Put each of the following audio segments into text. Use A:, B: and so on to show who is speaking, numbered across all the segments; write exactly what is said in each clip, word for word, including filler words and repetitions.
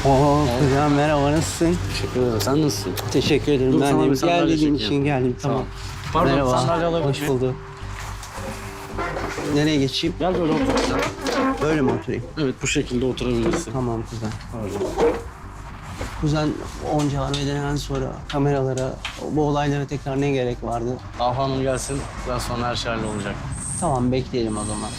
A: Oo kuzen merhaba, nasılsın?
B: Teşekkür ederim. Sen nasılsın?
A: Teşekkür ederim.
B: Dur,
A: Ben
B: sana
A: de
B: bir sandalye
A: gel dediğin
B: çekeyim.
A: için geldim. Tamam.
B: Pardon,
A: Merhaba.
B: sandalye alabilir
A: Hoş
B: miyim?
A: bulduk. Nereye geçeyim?
B: Gel böyle otur.
A: Böyle mi oturayım?
B: Evet, bu şekilde oturabilirsin.
A: Tamam kuzen.
B: Pardon.
A: Kuzen onca arbededen sonra kameralara, bu olaylara tekrar ne gerek vardı?
B: Ahu Hanım gelsin, biraz sonra her şey hallolacak.
A: Tamam, bekleyelim o zaman.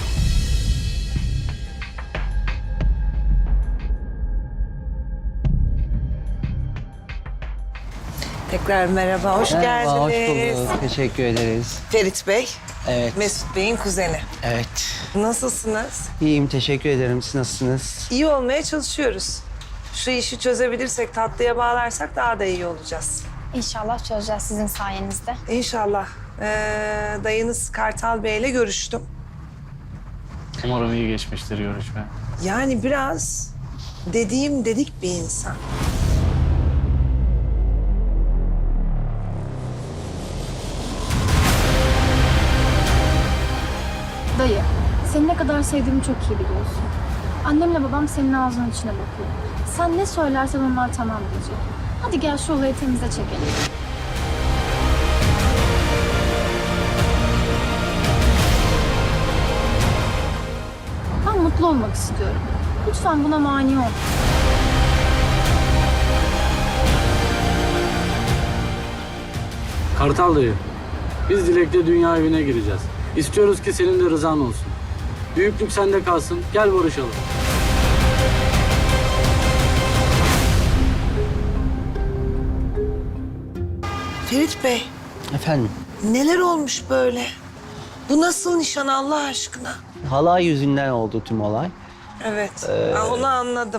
C: Tekrar merhaba, hoş
A: Merhaba, hoş
C: geldiniz.
A: bulduk. Teşekkür ederiz.
C: Ferit Bey,
A: Evet.
C: Mesut Bey'in kuzeni.
A: Evet.
C: Nasılsınız?
A: İyiyim, teşekkür ederim. Siz nasılsınız?
C: İyi olmaya çalışıyoruz. Şu işi çözebilirsek, tatlıya bağlarsak daha da iyi olacağız.
D: İnşallah çözeceğiz sizin sayenizde.
C: İnşallah. Ee, dayınız Kartal Bey'le görüştüm.
B: Umarım iyi geçmiştir görüşme.
C: Yani biraz dediğim dedik bir insan.
D: Dayı, seni ne kadar sevdiğimi çok iyi biliyorsun. Annemle babam senin ağzının içine bakıyor. Sen ne söylersen onlar tamam diyecek. Hadi gel şu olayı temize çekelim. Ben mutlu olmak istiyorum. Lütfen buna mani ol.
B: Kartal dayı, biz Dilek'le dünya evine gireceğiz. İstiyoruz ki senin de rızan olsun. Büyüklük sende kalsın, gel barışalım.
C: Ferit Bey,
A: Efendim,
C: neler olmuş böyle? Bu nasıl nişan Allah aşkına?
A: halay yüzünden oldu tüm olay.
C: Evet, ha, onu anladım.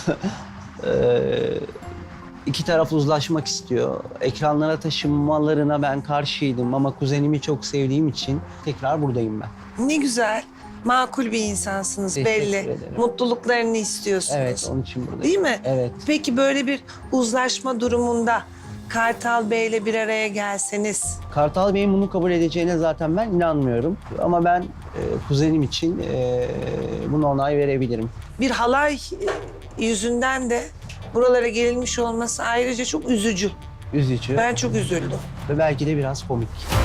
A: Ee, iki taraf uzlaşmak istiyor. Ekranlara taşınmalarına ben karşıydım ama kuzenimi çok sevdiğim için tekrar buradayım ben.
C: Ne güzel. Makul bir insansınız
A: Teşekkür
C: belli.
A: ederim.
C: Mutluluklarını istiyorsunuz.
A: Evet, onun için buradayım.
C: Değil mi?
A: Evet.
C: Peki böyle bir uzlaşma durumunda Kartal Bey'le bir araya gelseniz
A: Kartal Bey'in bunu kabul edeceğine zaten ben inanmıyorum. Ama ben e, kuzenim için e, buna onay verebilirim.
C: bir halay yüzünden de buralara gelinmiş olması ayrıca çok üzücü.
A: Üzücü
C: Ben çok üzüldüm.
A: ve belki de biraz komik.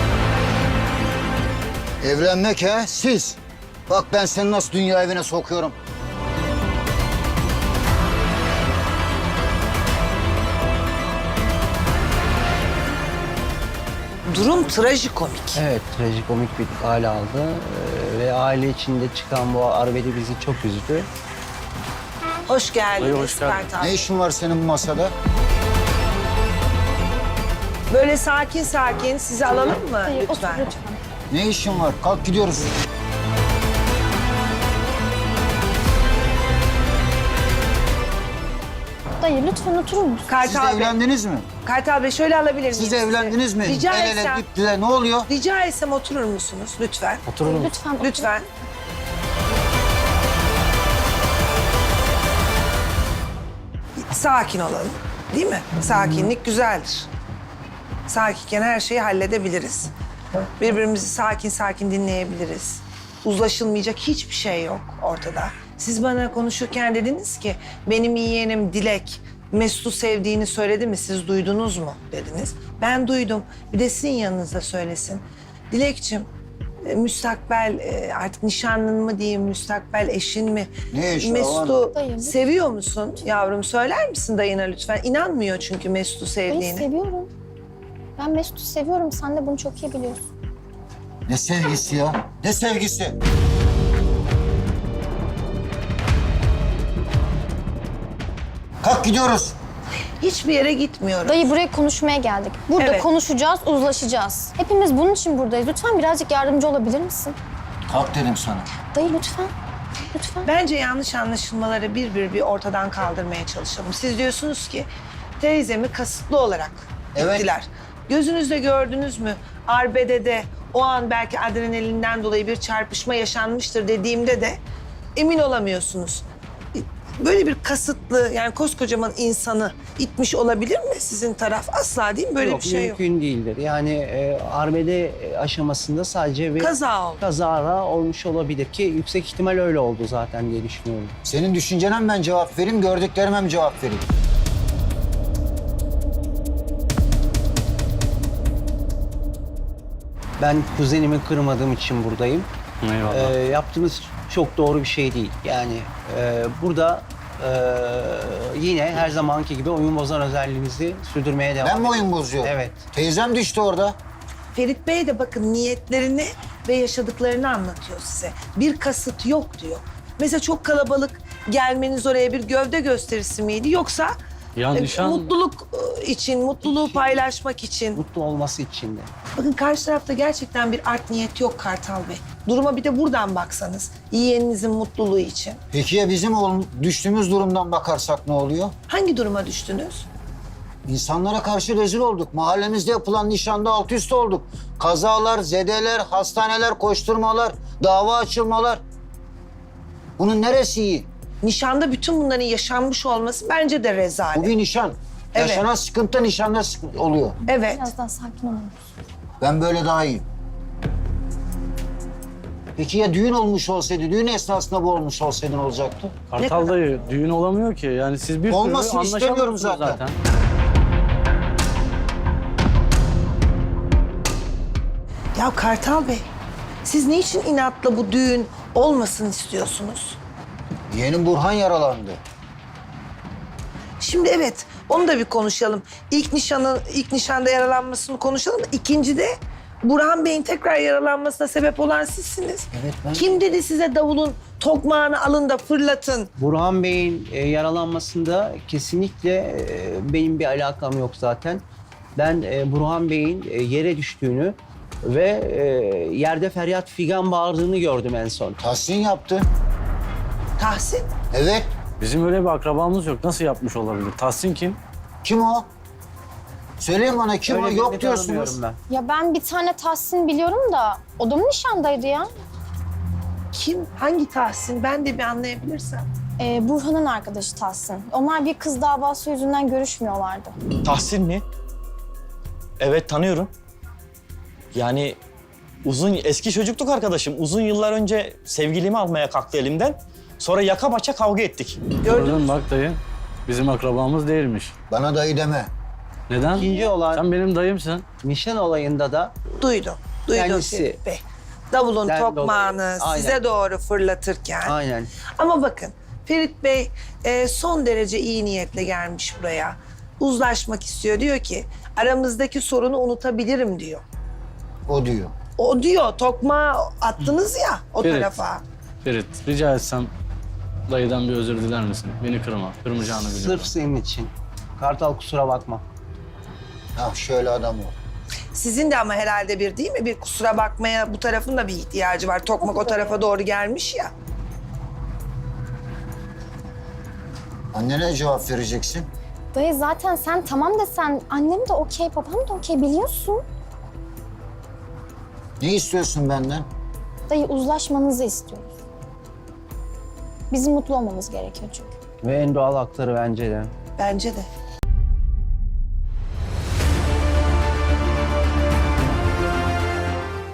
E: Evlenmek he, siz. Bak ben seni nasıl dünya evine sokuyorum.
C: Durum trajikomik.
A: Evet, trajikomik bir hale aldı. E, ve aile içinde çıkan bu arbede bizi çok üzdü.
C: Hoş geldiniz
B: Buyurun, hoş geldin.
C: Kartal.
E: Ne işin var senin bu masada?
C: Böyle sakin sakin sizi alalım mı
D: Dayı otur
C: lütfen?
D: lütfen.
E: Ne işin var? Kalk gidiyoruz.
D: Dayı lütfen oturur musun?
E: Siz
C: Kartal Bey,
E: evlendiniz mi?
C: Kartal Bey şöyle alabilir miyim
E: Siz
C: sizi?
E: evlendiniz mi?
C: Rica
E: El ele
C: etsem,
E: dip dile ne oluyor?
C: rica etsem oturur musunuz lütfen?
B: Oturur musun?
D: Lütfen otur.
C: Lütfen. Sakin olalım. Değil mi? Sakinlik güzeldir. Sakinken her şeyi halledebiliriz. Birbirimizi sakin sakin dinleyebiliriz. Uzlaşılmayacak hiçbir şey yok ortada. Siz bana konuşurken dediniz ki benim yeğenim Dilek Mesut'u sevdiğini söyledi mi, siz duydunuz mu dediniz. Ben duydum. Bir de sizin yanınızda söylesin. Dilekçim, e, müstakbel e, artık nişanlın mı diyeyim, müstakbel eşin mi?
E: Ne eşi,
C: Mesut'u
D: Dayı,
C: seviyor musun yavrum? Söyler misin dayına lütfen? İnanmıyor çünkü Mesut'u
D: Dayı
C: sevdiğini.
D: seviyorum. Ben Mesut'u seviyorum. Sen de bunu çok iyi biliyorsun.
E: Ne sevgisi ya? Ne sevgisi? Kalk gidiyoruz.
C: Hiçbir yere gitmiyorum.
D: Dayı buraya konuşmaya geldik. Burada
C: Evet.
D: konuşacağız, uzlaşacağız. Hepimiz bunun için buradayız. Lütfen birazcık yardımcı olabilir misin?
E: Kalk dedim sana.
D: Dayı lütfen. Lütfen.
C: Bence yanlış anlaşılmaları bir bir bir ortadan kaldırmaya çalışalım. Siz diyorsunuz ki teyzemi kasıtlı olarak
E: Evet.
C: gittiler. Gözünüzle gördünüz mü? Arbede'de o an belki adrenalinden dolayı bir çarpışma yaşanmıştır dediğimde de emin olamıyorsunuz. böyle bir kasıtlı yani koskocaman insanı itmiş olabilir mi sizin taraf? Asla değil mi? Böyle
A: yok,
C: bir şey yok.
A: mümkün değildir. Yani e, arbede aşamasında sadece bir
C: Kaza oldu.
A: kazara olmuş olabilir ki yüksek ihtimal öyle oldu zaten diye düşünüyorum.
E: Senin düşüncene mi ben cevap vereyim, gördüklerime mi cevap vereyim?
A: Ben kuzenimi kırmadığım için buradayım.
B: Eyvallah.
A: Ee, yaptığınız çok doğru bir şey değil. Yani e, burada e, yine her zamanki gibi oyun bozan özelliğimizi sürdürmeye devam
E: Ben mi
A: ediyoruz.
E: oyun bozuyorum?
A: Evet.
E: Teyzem düştü orada.
C: Ferit Bey de bakın niyetlerini ve yaşadıklarını anlatıyor size. Bir kasıt yok diyor. Mesela çok kalabalık gelmeniz oraya bir gövde gösterisi miydi yoksa
B: Ya
C: e,
B: nişan-
C: mutluluk e, için, mutluluğu paylaşmak için.
A: Mutlu olması için de.
C: Bakın karşı tarafta gerçekten bir art niyet yok Kartal Bey. Duruma bir de buradan baksanız. Yeğeninizin mutluluğu için.
E: Peki ya bizim oğlum düştüğümüz durumdan bakarsak ne oluyor?
C: Hangi duruma düştünüz?
E: İnsanlara karşı rezil olduk. Mahallemizde yapılan nişanda alt üst olduk. Kazalar, zedeler, hastaneler, koşturmalar, dava açılmalar. Bunun neresi iyi?
C: Nişanda bütün bunların yaşanmış olması bence de rezalet.
E: Bu bir nişan.
C: Evet.
E: Yaşanan sıkıntı nişanda sıkıntı oluyor.
C: Evet.
D: Biraz daha sakin olun.
E: Ben böyle daha iyiyim. Peki ya düğün olmuş olsaydı, düğün esnasında bu olmuş olsaydı ne olacaktı?
B: Kartal dayı düğün olamıyor ki. Yani siz bir
E: Olmasın
B: türlü
E: istemiyorum
B: anlaşamıyorsunuz
E: zaten.
C: Ya Kartal Bey, siz niçin inatla bu düğün olmasın istiyorsunuz?
E: Yeğenim Burhan yaralandı.
C: Şimdi evet, onu da bir konuşalım. İlk nişanı, ilk nişanda yaralanmasını konuşalım. İkinci de Burhan Bey'in tekrar yaralanmasına sebep olan sizsiniz.
E: Evet, ben-
C: Kim dedi size davulun tokmağını alın da fırlatın?
A: Burhan Bey'in e, yaralanmasında kesinlikle e, benim bir alakam yok zaten. Ben e, Burhan Bey'in e, yere düştüğünü ve e, yerde feryat figan bağırdığını gördüm en son.
E: Tahsin yaptı.
C: Tahsin,
E: Evet.
B: Bizim öyle bir akrabamız yok. Nasıl yapmış olabilir? Tahsin kim?
E: Kim o? Söyleyin bana kim o?
A: Öyle
E: Yok
A: birini
E: diyorsunuz.
A: tanımıyorum ben.
F: Ya ben bir tane Tahsin biliyorum da o da mı nişandaydı ya?
C: kim? Hangi Tahsin? Ben de bir anlayabilirsem.
F: Ee, Burhan'ın arkadaşı Tahsin. Onlar bir kız davası yüzünden görüşmüyorlardı.
G: Tahsin mi? Evet, tanıyorum. Yani uzun eski çocukluk arkadaşım. Uzun yıllar önce sevgilimi almaya kalktı elimden. Sonra yaka paça kavga ettik.
C: Gördün mü?
B: Bak dayı. Bizim akrabamız değilmiş.
E: Bana dayı deme.
B: Neden?
A: İkinci olan
B: Sen benim dayımsın.
A: nişan olayında da
C: Duydum, duydum
A: Kendisi.
C: Ferit Bey. Davulun
A: Ben
C: tokmağını
A: dolayı. Aynen.
C: size doğru fırlatırken.
A: aynen
C: Ama bakın Ferit Bey e, son derece iyi niyetle gelmiş buraya. Uzlaşmak istiyor. Diyor ki aramızdaki sorunu unutabilirim diyor.
E: O diyor.
C: O diyor tokmağı attınız ya o
B: Ferit.
C: tarafa.
B: Ferit, rica etsem dayıdan bir özür diler misin? Beni kırma. Kırmayacağını biliyorum.
A: sırf senin için. Kartal kusura bakma.
E: Ha şöyle adam ol.
C: Sizin de ama herhalde bir değil mi? Bir kusura bakmaya bu tarafın da bir ihtiyacı var. Tokmak o tarafa doğru gelmiş ya.
E: Annene cevap vereceksin.
F: Dayı zaten sen tamam desen annem de okey, babam da okey biliyorsun.
E: Ne istiyorsun benden?
F: Dayı uzlaşmanızı istiyoruz. Bizim mutlu olmamız gerekiyor çünkü.
A: Ve en doğal hakları bence de.
C: Bence de.